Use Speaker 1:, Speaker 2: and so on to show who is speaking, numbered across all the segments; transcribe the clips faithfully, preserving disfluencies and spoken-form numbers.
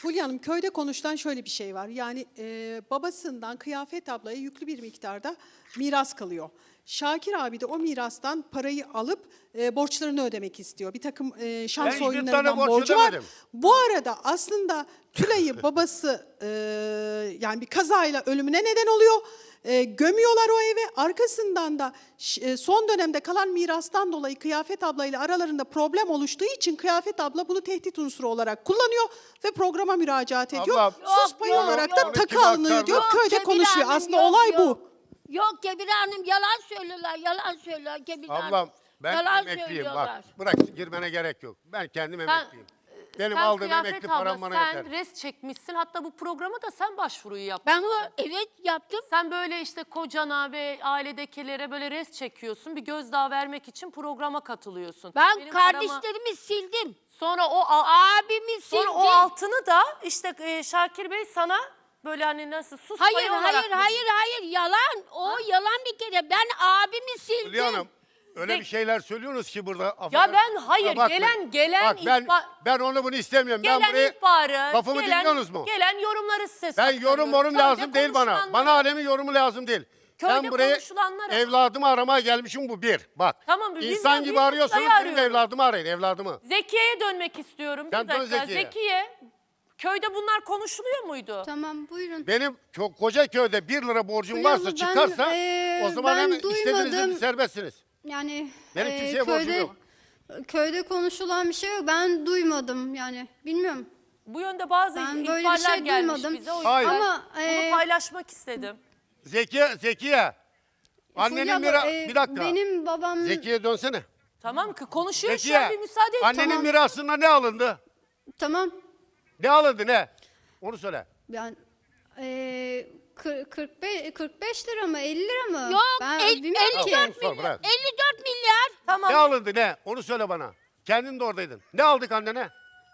Speaker 1: Fulya Hanım, köyde konuşulan şöyle bir şey var. Yani e, babasından Kıyafet ablaya yüklü bir miktarda miras kalıyor. Şakir abi de o mirastan parayı alıp e, borçlarını ödemek istiyor. Bir takım e, şans
Speaker 2: Ben
Speaker 1: oyunlarından
Speaker 2: borç
Speaker 1: borcu var.
Speaker 2: ödemedim.
Speaker 1: Bu arada aslında Tülay'ı babası e, yani bir kazayla ölümüne neden oluyor. E, gömüyorlar o eve. Arkasından da e, son dönemde kalan mirastan dolayı Kıyafet ablayla aralarında problem oluştuğu için Kıyafet abla bunu tehdit unsuru olarak kullanıyor ve programa müracaat ediyor.
Speaker 2: Abla,
Speaker 1: Sus
Speaker 3: Yok,
Speaker 1: payı
Speaker 3: yok,
Speaker 1: olarak
Speaker 3: yok.
Speaker 1: da
Speaker 2: Onu
Speaker 1: takı
Speaker 2: kim
Speaker 1: alınıyor
Speaker 2: aktardı?
Speaker 1: diyor.
Speaker 2: Yok,
Speaker 1: Köyde
Speaker 3: Kebir
Speaker 1: konuşuyor.
Speaker 3: Hanım,
Speaker 1: Aslında
Speaker 3: yok,
Speaker 1: olay
Speaker 3: yok.
Speaker 1: bu.
Speaker 3: Yok Kebir Hanım yalan söylüyorlar, yalan söylüyorlar Kebir Hanım.
Speaker 2: Ablam ben
Speaker 3: yalan
Speaker 2: emekliyim
Speaker 3: söylüyorlar.
Speaker 2: bak. Bırak girmene gerek yok. Ben kendim
Speaker 4: Sen-
Speaker 2: emekliyim. Benim
Speaker 4: Sen
Speaker 2: aldığım
Speaker 4: Kıyafet
Speaker 2: emekli
Speaker 4: abla,
Speaker 2: param bana
Speaker 4: sen
Speaker 2: yeter.
Speaker 4: rest çekmişsin. Hatta bu programa da sen başvuruyu yaptın.
Speaker 3: Ben bu evet yaptım.
Speaker 4: Sen böyle işte kocana ve ailedekilere böyle rest çekiyorsun. Bir gözdağı vermek için programa katılıyorsun.
Speaker 3: Ben
Speaker 4: Benim
Speaker 3: kardeşlerimi
Speaker 4: paramı-
Speaker 3: sildim.
Speaker 4: Sonra o al-
Speaker 3: Abimi sildim.
Speaker 4: sonra o altını da işte e, Şakir Bey sana böyle hani nasıl sus
Speaker 3: Hayır
Speaker 4: payı olarak
Speaker 3: hayır
Speaker 4: mı-
Speaker 3: hayır hayır yalan. O yalan bir kere. Ben abimi sildim.
Speaker 2: Hülya Hanım öyle
Speaker 4: Zek-
Speaker 2: bir şeyler söylüyorsunuz ki burada.
Speaker 4: Ya ben hayır
Speaker 2: Ha, bakmayın.
Speaker 4: gelen gelen
Speaker 2: Bak ben,
Speaker 4: ihbar-
Speaker 2: ben onu bunu istemiyorum.
Speaker 4: gelen
Speaker 2: ben buraya
Speaker 4: ihbarı,
Speaker 2: lafımı
Speaker 4: gelen,
Speaker 2: dinliyorsunuz mu?
Speaker 4: Gelen yorumları size
Speaker 2: Ben
Speaker 4: saklıyorum.
Speaker 2: yorum morum
Speaker 4: Köyde
Speaker 2: lazım değil bana.
Speaker 4: konuşulanları-
Speaker 2: Bana alemin yorumu lazım değil.
Speaker 4: Köyde
Speaker 2: ben buraya
Speaker 4: konuşulanlara-
Speaker 2: evladımı aramaya gelmişim bu bir. Bak.
Speaker 4: Tamam, biz de-
Speaker 2: İnsan
Speaker 4: biz
Speaker 2: gibi
Speaker 4: de
Speaker 2: arıyorsanız
Speaker 4: Tülay'ı
Speaker 2: benim
Speaker 4: arıyoruz.
Speaker 2: evladımı arayın evladımı.
Speaker 4: Zekiye'ye dönmek istiyorum.
Speaker 2: Sen
Speaker 4: bir
Speaker 2: dön
Speaker 4: dakika.
Speaker 2: Zekiye'ye.
Speaker 4: Zekiye, köyde bunlar konuşuluyor muydu?
Speaker 5: Tamam buyurun.
Speaker 2: Benim çok koca köyde bir lira borcum
Speaker 5: Hülya
Speaker 2: varsa
Speaker 5: abla, ben,
Speaker 2: çıkarsa
Speaker 5: eee,
Speaker 2: o zaman
Speaker 5: ben
Speaker 2: hemen istediğinizde
Speaker 5: duymadım.
Speaker 2: serbestsiniz.
Speaker 5: Yani
Speaker 2: Benim
Speaker 5: eee,
Speaker 2: kimseye borcum
Speaker 5: köyde,
Speaker 2: yok.
Speaker 5: köyde konuşulan bir şey yok. Ben duymadım yani. Bilmiyorum.
Speaker 4: Bu yönde bazı
Speaker 5: Ben böyle bir
Speaker 4: ihbarlar
Speaker 5: şey
Speaker 4: gelmiş
Speaker 5: duymadım.
Speaker 4: bize. O
Speaker 2: Hayır.
Speaker 4: yüzden
Speaker 5: Ama,
Speaker 4: bunu
Speaker 5: eee,
Speaker 4: paylaşmak istedim.
Speaker 2: Zekiye, Zekiye. Annenin
Speaker 5: Fulya
Speaker 2: mira...
Speaker 5: abla, eee,
Speaker 2: bir dakika.
Speaker 5: Benim babam
Speaker 2: Zekiye dönsene.
Speaker 4: Tamam ki konuşuyor şu
Speaker 2: Zekiye.
Speaker 4: an bir müsaade et.
Speaker 2: Annenin
Speaker 4: Tamam.
Speaker 2: mirasında ne alındı?
Speaker 5: tamam.
Speaker 2: Ne alındı ne? Onu söyle.
Speaker 5: Ben eee kır- kırk beş, kırk beş lira mı elli lira mı?
Speaker 3: Yok
Speaker 5: ben
Speaker 3: el,
Speaker 5: bilmiyorum
Speaker 2: Tamam,
Speaker 5: ki.
Speaker 2: onu
Speaker 3: elli dört
Speaker 2: sor,
Speaker 3: milyar.
Speaker 2: bırak.
Speaker 3: elli dört milyar.
Speaker 4: Tamam.
Speaker 2: Ne alındı ne? Onu söyle bana. Kendin de oradaydın. Ne aldık annene?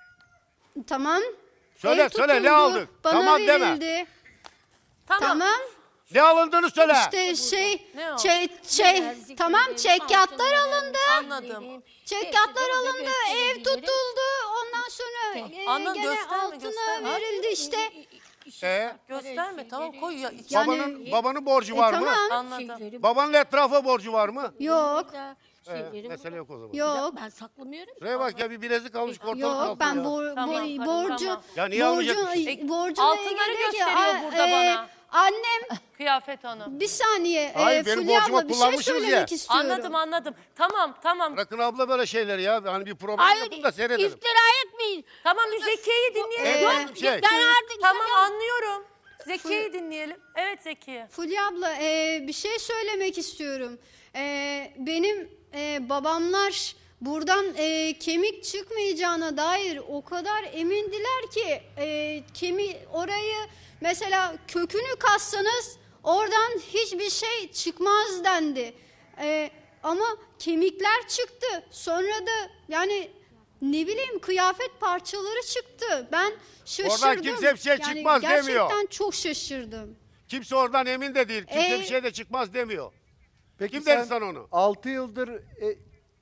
Speaker 5: Tamam.
Speaker 2: Söyle,
Speaker 5: Ev
Speaker 2: söyle, ne
Speaker 5: tutuldu,
Speaker 2: aldık?
Speaker 5: Bana
Speaker 2: Tamam deme.
Speaker 5: verildi.
Speaker 4: Tamam.
Speaker 5: Tamam.
Speaker 2: Ne alındığını söyle.
Speaker 5: İşte şey,
Speaker 4: Ne o?
Speaker 5: şey, şey, tamam çekyatlar alındı.
Speaker 4: Anladım.
Speaker 5: Çekyatlar alındı, ev tutuldu. Ondan sonra e,
Speaker 4: Anladım,
Speaker 5: gene
Speaker 4: gösterme,
Speaker 5: altına
Speaker 4: gösterme.
Speaker 5: verildi işte.
Speaker 2: Ee,
Speaker 4: Gösterme tamam koy ya. iç-
Speaker 5: Yani-
Speaker 2: babanın, babanın borcu
Speaker 5: E,
Speaker 2: var mı?
Speaker 5: tamam.
Speaker 4: Anladım.
Speaker 2: Babanın etrafa borcu var mı?
Speaker 5: Yok,
Speaker 2: Ee, mesele yok o zaman.
Speaker 5: yok,
Speaker 3: Ben saklamıyorum.
Speaker 2: Şuraya bak ya bir bilezik almış ortalık
Speaker 5: yok.
Speaker 2: altında
Speaker 5: Ben
Speaker 2: ya.
Speaker 5: bor,
Speaker 4: Tamam,
Speaker 5: bor-
Speaker 4: tamam,
Speaker 5: borcu,
Speaker 4: tamam.
Speaker 2: Ya niye
Speaker 5: borcu,
Speaker 2: almayacakmış?
Speaker 4: E,
Speaker 5: borcuyla
Speaker 4: altınları
Speaker 5: ilgili ki,
Speaker 4: gösteriyor
Speaker 5: a-
Speaker 4: burada
Speaker 5: e,
Speaker 4: bana.
Speaker 5: Annem,
Speaker 4: Kıyafet Hanım.
Speaker 5: bir saniye,
Speaker 2: Hayır,
Speaker 5: e,
Speaker 2: benim
Speaker 5: Fulya
Speaker 2: borcumu
Speaker 5: abla bir şey
Speaker 2: kullanmışsınız
Speaker 5: söylemek
Speaker 2: ya.
Speaker 5: istiyorum.
Speaker 4: Anladım anladım. Tamam tamam.
Speaker 2: Bırakın abla böyle şeyleri ya. Hani bir problem
Speaker 3: Hayır
Speaker 2: yapın da seyredelim.
Speaker 3: iftira etmeyin.
Speaker 4: Tamam bir Zekiye'yi dinleyelim.
Speaker 2: Evet,
Speaker 5: Ee,
Speaker 2: şey.
Speaker 3: Ben artık
Speaker 4: Tamam anlıyorum. Zekiye'yi dinleyelim. Evet Zekiye.
Speaker 5: Fulya abla e, bir şey söylemek istiyorum. E, benim e, babamlar buradan e, kemik çıkmayacağına dair o kadar emindiler ki e, kemi orayı mesela kökünü kassanız oradan hiçbir şey çıkmaz dendi. E, ama kemikler çıktı. Sonra da yani ne bileyim kıyafet parçaları çıktı. Ben şaşırdım.
Speaker 2: kimse bir şey
Speaker 5: Yani
Speaker 2: çıkmaz demiyor.
Speaker 5: Gerçekten çok şaşırdım.
Speaker 2: Kimse oradan emin de değil. Kimse
Speaker 5: Ee,
Speaker 2: bir şey de çıkmaz demiyor.
Speaker 6: Peki
Speaker 2: Kim
Speaker 6: sen
Speaker 2: dedi sana onu?
Speaker 6: altı yıldır e,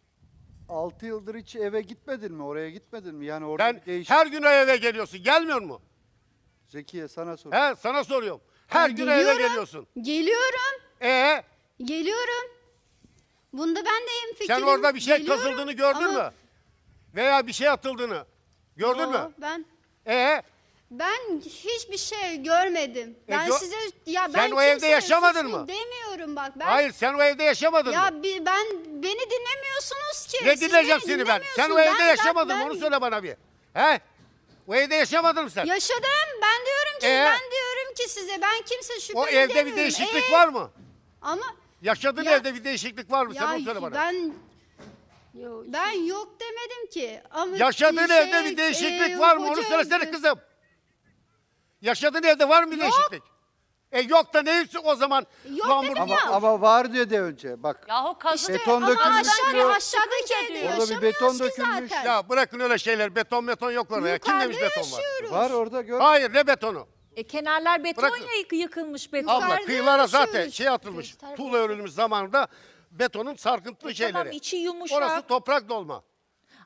Speaker 6: altı yıldır hiç eve gitmedin mi? Oraya gitmedin mi? Yani orada
Speaker 2: Sen
Speaker 6: bir değiş...
Speaker 2: her gün o eve geliyorsun. Gelmiyor mu?
Speaker 6: Zekiye sana sor.
Speaker 2: He sana soruyorum. Her
Speaker 5: Ben
Speaker 2: gün eve
Speaker 5: geliyorum.
Speaker 2: geliyorsun.
Speaker 5: Geliyorum.
Speaker 2: Ee
Speaker 5: Geliyorum. Bunda ben de hemfikirim.
Speaker 2: sen orada bir şey
Speaker 5: Geliyorum
Speaker 2: kasıldığını gördün
Speaker 5: ama-
Speaker 2: mü? Veya bir şey atıldığını. Gördün
Speaker 5: Yo,
Speaker 2: mü?
Speaker 5: Ben
Speaker 2: Ee
Speaker 5: ben hiçbir şey görmedim.
Speaker 2: E,
Speaker 5: Ben
Speaker 2: gö-
Speaker 5: size ya ben
Speaker 2: Sen o evde
Speaker 5: kimseye
Speaker 2: yaşamadın
Speaker 5: suçlu
Speaker 2: mı?
Speaker 5: demiyorum bak ben.
Speaker 2: hayır sen o evde yaşamadın mı?
Speaker 5: Ya bi- ben beni dinlemiyorsunuz ki.
Speaker 2: Ne
Speaker 5: Siz
Speaker 2: dinleyeceğim
Speaker 5: beni
Speaker 2: seni ben? Sen o
Speaker 5: dinlemiyorsunuz.
Speaker 2: evde
Speaker 5: Ben-
Speaker 2: yaşamadın
Speaker 5: ben-
Speaker 2: mı? Onu söyle bana bir. He? O evde yaşamadın mı sen?
Speaker 5: Yaşadım. Ben diyorum ki
Speaker 2: Ee?
Speaker 5: ben diyorum ki size ben kimse şüpheli
Speaker 2: O evde bir
Speaker 5: demiyorum.
Speaker 2: değişiklik
Speaker 5: Ee?
Speaker 2: var mı?
Speaker 5: Ama
Speaker 2: Yaşadığın
Speaker 5: Ya-
Speaker 2: evde bir değişiklik var mı? Sen
Speaker 5: ya
Speaker 2: onu söyle bana.
Speaker 5: ben
Speaker 3: Yok,
Speaker 5: ben yok demedim ki. Ama
Speaker 2: Yaşadığın
Speaker 5: şey,
Speaker 2: evde bir değişiklik
Speaker 5: e,
Speaker 2: var mı? Onu
Speaker 5: hoca
Speaker 2: söylesene
Speaker 5: evde-
Speaker 2: kızım. Yaşadığın evde var mı bir
Speaker 5: Yok.
Speaker 2: değişiklik? E yok da neyse o zaman?
Speaker 5: Yok
Speaker 2: Lan
Speaker 5: dedim
Speaker 2: burada-
Speaker 5: ya.
Speaker 6: Ama, ama var dedi önce. Bak
Speaker 4: Yahu kazık.
Speaker 6: Beton
Speaker 5: Ama
Speaker 6: dökülmüş
Speaker 5: aşağıda,
Speaker 6: diyor.
Speaker 5: aşağıdaki evde
Speaker 4: Orada bir
Speaker 5: yaşamıyoruz
Speaker 6: beton
Speaker 5: ki
Speaker 6: dökülmüş.
Speaker 5: zaten.
Speaker 2: Ya bırakın öyle şeyler. Beton beton yok orada ya. Kim
Speaker 5: Yukarıda
Speaker 2: demiş beton var?
Speaker 5: yaşıyoruz.
Speaker 6: var orada gör.
Speaker 2: Hayır ne betonu?
Speaker 7: E kenarlar beton
Speaker 2: Bırakın.
Speaker 7: ya yık- yıkılmış beton.
Speaker 2: Abla
Speaker 5: Yukarıda
Speaker 2: kıyılara zaten
Speaker 5: yaşıyoruz.
Speaker 2: şey atılmış. Tuğla örülmüş zamanında betonun sarkıntılı şeyleri.
Speaker 7: Tamam içi yumuşak.
Speaker 2: Orası toprak dolma.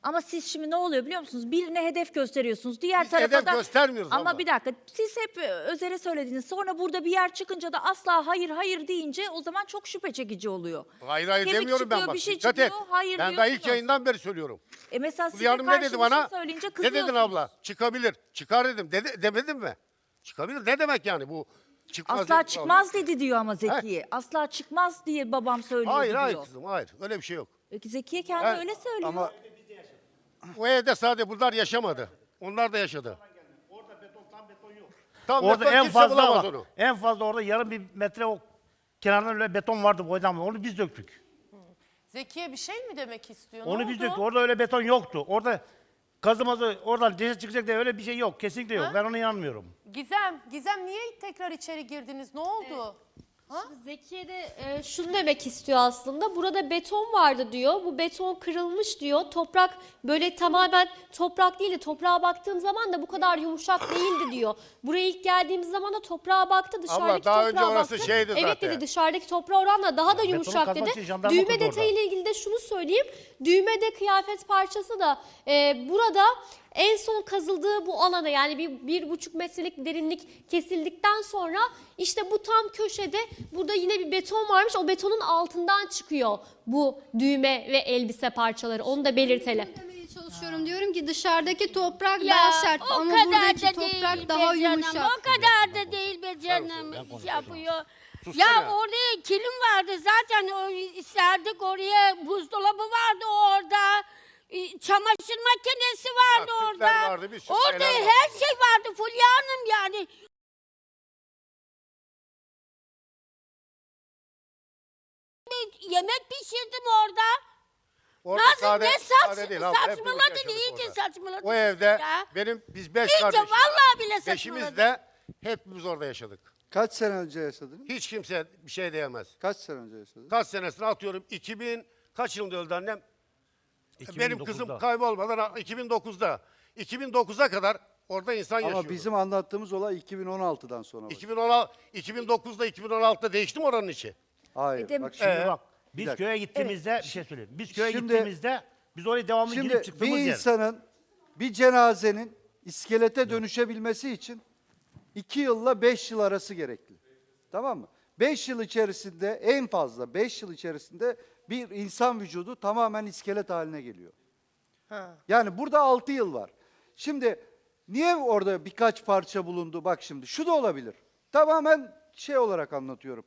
Speaker 7: Ama siz şimdi ne oluyor biliyor musunuz? Birine hedef gösteriyorsunuz. Diğer
Speaker 2: Biz
Speaker 7: tarafa
Speaker 2: hedef
Speaker 7: da...
Speaker 2: göstermiyoruz
Speaker 7: Ama
Speaker 2: abla.
Speaker 7: bir dakika, siz hep e, Özer'e söylediniz. Sonra burada bir yer çıkınca da asla hayır hayır deyince o zaman çok şüphe çekici oluyor.
Speaker 2: Hayır hayır
Speaker 7: Kemik
Speaker 2: demiyorum ben
Speaker 7: çıkıyor,
Speaker 2: bak.
Speaker 7: bir şey
Speaker 2: Dikkat et.
Speaker 7: çıkıyor, hayır
Speaker 2: Ben daha ilk
Speaker 7: diyorsunuz.
Speaker 2: yayından beri söylüyorum.
Speaker 7: E mesela size
Speaker 2: Fulya Hanım ne
Speaker 7: karşı
Speaker 2: dedi
Speaker 7: bir
Speaker 2: bana?
Speaker 7: şey söyleyince
Speaker 2: Ne dedin
Speaker 7: kızıyorsunuz.
Speaker 2: abla? Çıkabilir. Çıkar dedim. Dede, demedim mi? Çıkabilir. Ne demek yani bu? Çıkmaz
Speaker 7: Asla
Speaker 2: dedim.
Speaker 7: çıkmaz dedi diyor ama Zekiye. Asla çıkmaz diye babam söylüyor
Speaker 2: Hayır
Speaker 7: diyor.
Speaker 2: hayır kızım hayır. Öyle bir şey yok.
Speaker 7: Peki Zekiye kendi
Speaker 2: Evet,
Speaker 7: öyle söylüyor.
Speaker 6: Ama
Speaker 2: O evde sadece bunlar yaşamadı. Onlar da yaşadı. Orada beton tam beton yok. Tam
Speaker 8: Orada
Speaker 2: beton
Speaker 8: en
Speaker 2: kimse
Speaker 8: fazla
Speaker 2: bulamaz
Speaker 8: bak,
Speaker 2: onu.
Speaker 8: en fazla orada yarım bir metre o kenardan öyle beton vardı boydan. Onu biz döktük.
Speaker 4: Zekiye bir şey mi demek istiyor?
Speaker 8: Onu
Speaker 4: ne
Speaker 8: biz
Speaker 4: oldu?
Speaker 8: döktük. Orada öyle beton yoktu. Orada kazımazı oradan ceset çıkacak diye öyle bir şey yok. Kesinlikle yok.
Speaker 4: Ha?
Speaker 8: Ben ona inanmıyorum.
Speaker 4: Gizem, Gizem niye tekrar içeri girdiniz? Ne oldu?
Speaker 9: Zekiye de e, şunu demek istiyor aslında. Burada beton vardı diyor. Bu beton kırılmış diyor. Toprak böyle tamamen toprak değil de toprağa baktığım zaman da bu kadar yumuşak değildi diyor. Buraya ilk geldiğimiz zaman da toprağa baktı. Dışarıdaki
Speaker 2: daha
Speaker 9: toprağa
Speaker 2: önce orası
Speaker 9: baktı.
Speaker 2: şeydi
Speaker 9: Evet
Speaker 2: zaten.
Speaker 9: dedi, dışarıdaki toprağa oranla daha da
Speaker 8: betonu
Speaker 9: yumuşak
Speaker 8: kazmak için
Speaker 9: dedi.
Speaker 8: jandarma
Speaker 9: Düğme
Speaker 8: kurdu orada.
Speaker 9: detayıyla ilgili de şunu söyleyeyim. Düğmede kıyafet parçası da e, burada en son kazıldığı bu alana, yani bir, bir buçuk metrelik derinlik kesildikten sonra işte bu tam köşede burada yine bir beton varmış. O betonun altından çıkıyor bu düğme ve elbise parçaları. Onu da belirtelim.
Speaker 5: Demeye çalışıyorum, diyorum ki dışarıdaki toprak
Speaker 3: Ya
Speaker 5: daha sert
Speaker 3: o
Speaker 5: ama
Speaker 3: kadar
Speaker 5: buradaki
Speaker 3: da
Speaker 5: toprak
Speaker 3: değil
Speaker 5: daha
Speaker 3: be canım.
Speaker 5: yumuşak.
Speaker 3: O kadar da değil be canım. Yapıyor. Ya oraya kilim vardı zaten, o, serdik oraya, buzdolabı vardı orada. e, Çamaşır makinesi vardı
Speaker 2: Ya, tüpler
Speaker 3: orada.
Speaker 2: vardı, bir sürü
Speaker 3: Orada
Speaker 2: şeyler
Speaker 3: her şey vardı Fulya Hanım yani. Bir Yemek pişirdim orada.
Speaker 2: Orada
Speaker 3: Nazım
Speaker 2: sade-
Speaker 3: ne saç,
Speaker 2: sade değil abla, hepimiz
Speaker 3: saçmaladın,
Speaker 2: yaşadık
Speaker 3: iyice
Speaker 2: orada.
Speaker 3: saçmaladın.
Speaker 2: O evde
Speaker 3: ya.
Speaker 2: benim biz beş
Speaker 3: İyice
Speaker 2: kardeşiz.
Speaker 3: vallahi bile saçmaladın.
Speaker 2: Beşimiz de hepimiz orada yaşadık.
Speaker 6: kaç sene önce yaşadınız?
Speaker 2: Hiç kimse bir şey diyemez.
Speaker 6: Kaç sene önce yaşadınız?
Speaker 2: Kaç senesini atıyorum. iki bin kaç yılında öldü annem? Benim kızım
Speaker 8: iki bin dokuzda.
Speaker 2: kaybolmadan iki bin dokuzda. iki bin dokuza kadar orada insan yaşıyordu.
Speaker 6: Ama bizim anlattığımız olay iki bin on altıdan sonra. başladı.
Speaker 2: iki bin on altı, iki bin dokuzda iki bin on altıda değişti mi oranın içi?
Speaker 6: Hayır.
Speaker 7: Edem-
Speaker 6: Bak
Speaker 8: Şimdi
Speaker 6: şimdi,
Speaker 8: bak biz
Speaker 6: dakika.
Speaker 8: köye gittiğimizde bir şey söyleyeyim. Biz köye
Speaker 6: Şimdi-
Speaker 8: gittiğimizde biz oraya devamlı
Speaker 6: şimdi
Speaker 8: girip
Speaker 6: bir
Speaker 8: çıktığımız yer.
Speaker 6: insanın bir cenazenin iskelete dönüşebilmesi için iki yılla beş yıl arası gerekli. Tamam mı? Beş yıl içerisinde, en fazla beş yıl içerisinde bir insan vücudu tamamen iskelet haline geliyor. Yani burada altı yıl var. Şimdi niye orada birkaç parça bulundu? Bak şimdi şu da olabilir. Tamamen şey olarak anlatıyorum.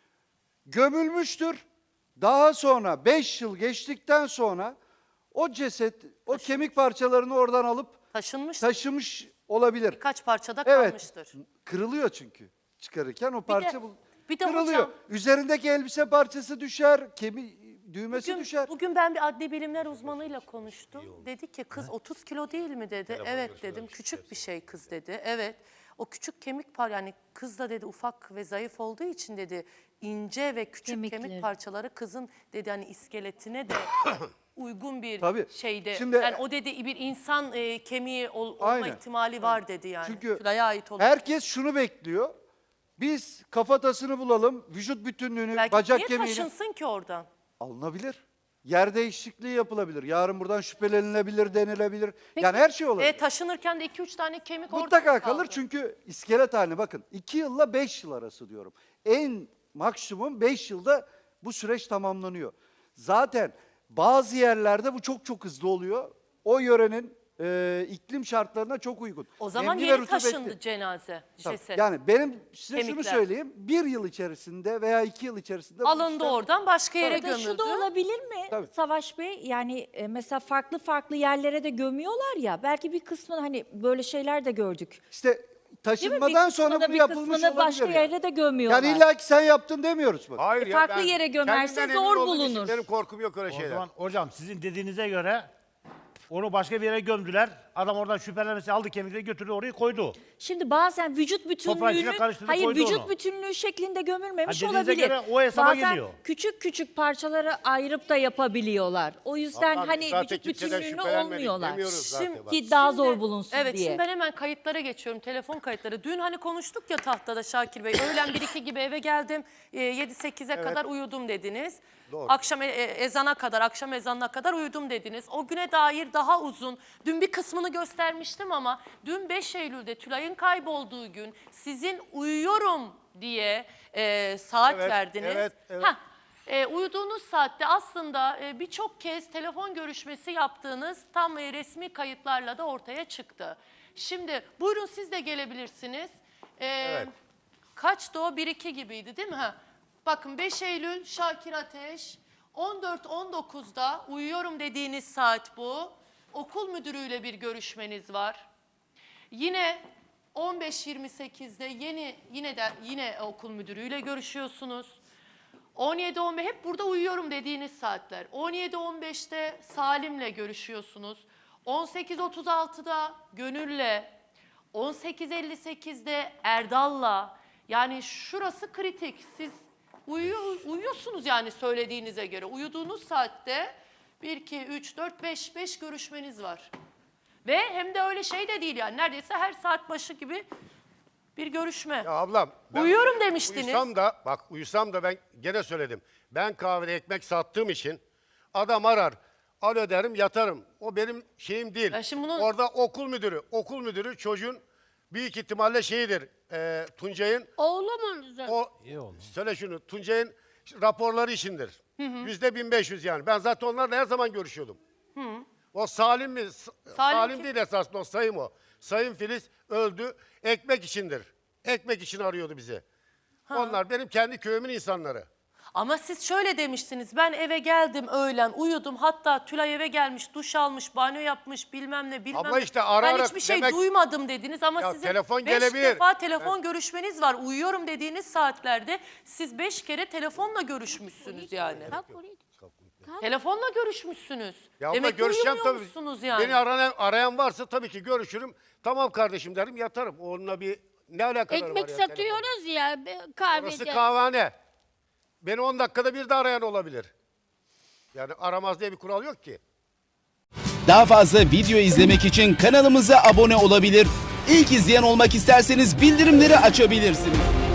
Speaker 6: Gömülmüştür. Daha sonra beş yıl geçtikten sonra o ceset, o kemik parçalarını oradan alıp
Speaker 4: Taşınmış,
Speaker 6: taşımış olabilir.
Speaker 4: birkaç parçada
Speaker 6: Evet.
Speaker 4: kalmıştır.
Speaker 6: Kırılıyor çünkü. Çıkarırken o parça bul-
Speaker 4: bir de
Speaker 6: kırılıyor.
Speaker 4: hocam-
Speaker 6: Üzerindeki elbise parçası düşer, kemi düğmesi
Speaker 4: Bugün,
Speaker 6: düşer.
Speaker 4: bugün ben bir adli bilimler uzmanıyla konuştum. Dedi ki kız otuz kilo değil mi dedi. Evet dedim. Küçük bir şey kız dedi. Evet. O küçük kemik par yani kız da dedi ufak ve zayıf olduğu için dedi ince ve küçük
Speaker 7: Kemikleri.
Speaker 4: kemik parçaları kızın dedi hani iskeletine de uygun bir
Speaker 6: Tabii.
Speaker 4: şeyde.
Speaker 6: Şimdi-
Speaker 4: yani o dedi bir insan e, kemiği ol- olma
Speaker 6: Aynen.
Speaker 4: ihtimali var dedi yani.
Speaker 6: Çünkü
Speaker 4: Tülay'a ait olan.
Speaker 6: herkes şunu bekliyor. Biz kafatasını bulalım, vücut bütünlüğünü,
Speaker 4: Belki
Speaker 6: bacak
Speaker 4: niye
Speaker 6: kemiğini
Speaker 4: taşınsın ki oradan?
Speaker 6: alınabilir. Yer değişikliği yapılabilir. Yarın buradan şüphelenilebilir, denilebilir. Yani her şey olabilir.
Speaker 4: E, taşınırken de iki üç tane kemik orada
Speaker 6: Mutlaka
Speaker 4: kaldı.
Speaker 6: kalır çünkü iskelet haline bakın. iki yılla beş yıl arası diyorum. En maksimum beş yılda bu süreç tamamlanıyor. Zaten bazı yerlerde bu çok çok hızlı oluyor. O yörenin e, iklim şartlarına çok uygun.
Speaker 4: O zaman
Speaker 6: Nemli ve
Speaker 4: yeni
Speaker 6: rutubetli.
Speaker 4: taşındı cenaze,
Speaker 6: Tabii.
Speaker 4: ceset.
Speaker 6: Yani benim size şunu
Speaker 4: Kemikler.
Speaker 6: söyleyeyim. Bir yıl içerisinde veya iki yıl içerisinde bu
Speaker 4: Alındı
Speaker 6: işlem-
Speaker 4: oradan başka yere
Speaker 7: Ya da
Speaker 4: gömüldü.
Speaker 7: şu da olabilir mi
Speaker 6: Tabii.
Speaker 7: Savaş Bey? Yani e, mesela farklı farklı yerlere de gömüyorlar ya. Belki bir kısmını hani böyle şeyler de gördük.
Speaker 6: İşte
Speaker 7: Değil mi? Bir
Speaker 6: taşınmadan sonra
Speaker 7: kısmını da
Speaker 6: bu
Speaker 7: bir
Speaker 6: yapılmış
Speaker 7: kısmını
Speaker 6: olabilir.
Speaker 7: başka
Speaker 6: yani.
Speaker 7: yere de gömüyorlar.
Speaker 6: Yani illa ki sen yaptın demiyoruz bak.
Speaker 2: Hayır
Speaker 7: E, farklı yere gömerse
Speaker 2: kendimden
Speaker 7: zor
Speaker 2: emin olduğum için
Speaker 7: bulunur.
Speaker 2: Benim korkum yok öyle
Speaker 8: O
Speaker 2: şeyler.
Speaker 8: zaman hocam sizin dediğinize göre onu başka bir yere gömdüler. Adam oradan şüphelenmesi aldı kemikleri götürdü oraya koydu.
Speaker 7: Şimdi bazen vücut
Speaker 8: Toprağın içine
Speaker 7: bütünlüğünü,
Speaker 8: karıştırdı,
Speaker 7: hayır
Speaker 8: koydu
Speaker 7: vücut
Speaker 8: onu.
Speaker 7: bütünlüğü şeklinde gömülmemiş
Speaker 8: Ha, dediğinize
Speaker 7: olabilir.
Speaker 8: göre o hesaba
Speaker 7: Bazen
Speaker 8: geliyor.
Speaker 7: küçük küçük parçalara ayırıp da yapabiliyorlar. O yüzden
Speaker 2: Vallahi
Speaker 7: hani
Speaker 2: zaten
Speaker 7: vücut
Speaker 2: kimseden
Speaker 7: bütünlüğüne
Speaker 2: şüphelenmedik
Speaker 7: olmuyorlar.
Speaker 2: demiyoruz zaten
Speaker 7: Şimdi,
Speaker 2: bak.
Speaker 7: ki daha
Speaker 4: Şimdi-
Speaker 7: zor bulunsun
Speaker 4: evet,
Speaker 7: diye.
Speaker 4: şimdi ben hemen kayıtlara geçiyorum. Telefon kayıtları. Dün hani konuştuk ya tahtada Şakir Bey. Öğlen bir iki gibi eve geldim. E, yedi sekize kadar uyudum dediniz.
Speaker 2: Doğru.
Speaker 4: Akşam e- e- ezana kadar, akşam ezanına kadar uyudum dediniz. O güne dair daha uzun. Dün bir kısmını göstermiştim ama dün beş Eylül'de Tülay'ın kaybolduğu gün sizin uyuyorum diye e, saat
Speaker 2: Evet,
Speaker 4: verdiniz.
Speaker 2: evet, evet.
Speaker 4: Hah, E, uyuduğunuz saatte aslında e, birçok kez telefon görüşmesi yaptığınız tam e, resmi kayıtlarla da ortaya çıktı. Şimdi buyurun siz de gelebilirsiniz. E,
Speaker 2: Evet.
Speaker 4: Kaçtı o? bir iki gibiydi değil mi? Ha. Bakın beş Eylül Şakir Ateş on dört on dokuzda uyuyorum dediğiniz saat bu. Okul müdürüyle bir görüşmeniz var. Yine on beş yirmi sekizde yeni yine de yine okul müdürüyle görüşüyorsunuz. on yedi on beş hep burada uyuyorum dediğiniz saatler. on yedi on beşte Salim'le görüşüyorsunuz. on sekiz otuz altıda Gönül'le, on sekiz elli sekizde Erdal'la. Yani şurası kritik. Siz uyuyor, uyuyorsunuz yani söylediğinize göre. Uyuduğunuz saatte bir, iki, üç, dört, beş, beş görüşmeniz var. Ve hem de öyle şey de değil yani. Neredeyse her saat başı gibi bir görüşme.
Speaker 2: Ya ablam. ben
Speaker 4: Uyuyorum demiştiniz.
Speaker 2: Uyusam da bak uyusam da ben gene söyledim. Ben kahvede ekmek sattığım için adam arar. Alo derim yatarım. O benim şeyim değil.
Speaker 4: Ya şimdi bunun-
Speaker 2: Orada okul müdürü. Okul müdürü çocuğun büyük ihtimalle şeyidir. E, Tuncay'ın
Speaker 3: Oğlum
Speaker 2: o söyle şunu Tuncay'ın raporları içindir. Yüzde bin beş yüz yani. Ben zaten onlarla her zaman görüşüyordum. O Salim mi? S- Salim,
Speaker 4: kim?
Speaker 2: değil esasında o Sayım o. Sayın Filiz öldü. Ekmek içindir. Ekmek için arıyordu bizi. Onlar benim kendi köyümün insanları.
Speaker 4: Ama siz şöyle demiştiniz, ben eve geldim öğlen uyudum, hatta Tülay eve gelmiş, duş almış, banyo yapmış, bilmem ne bilmem
Speaker 2: Ama
Speaker 4: ne.
Speaker 2: işte ara
Speaker 4: ben
Speaker 2: ara
Speaker 4: hiçbir şey
Speaker 2: demek-
Speaker 4: duymadım dediniz ama
Speaker 2: Ya
Speaker 4: sizin
Speaker 2: telefon
Speaker 4: beş
Speaker 2: gelebilir.
Speaker 4: defa telefon görüşmeniz var. Uyuyorum dediğiniz saatlerde siz beş kere telefonla görüşmüşsünüz yani.
Speaker 3: Kalk oraya.
Speaker 4: Telefonla görüşmüşsünüz.
Speaker 2: Ya abla
Speaker 4: Demek ki
Speaker 2: görüşeceğim tabii.
Speaker 4: uyumuyormuşsunuz yani.
Speaker 2: Beni arayan, arayan varsa tabii ki görüşürüm. Tamam kardeşim derim yatarım. Onunla bir ne alakaları var
Speaker 3: Ekmek
Speaker 2: ya
Speaker 3: satıyoruz ya be-
Speaker 2: telefonla?
Speaker 3: kahvede.
Speaker 2: Orası kahvehane. Beni on dakikada bir de arayan olabilir. Yani aramaz diye bir kural yok ki.
Speaker 10: Daha fazla video izlemek için kanalımıza abone olabilir. İlk izleyen olmak isterseniz bildirimleri açabilirsiniz.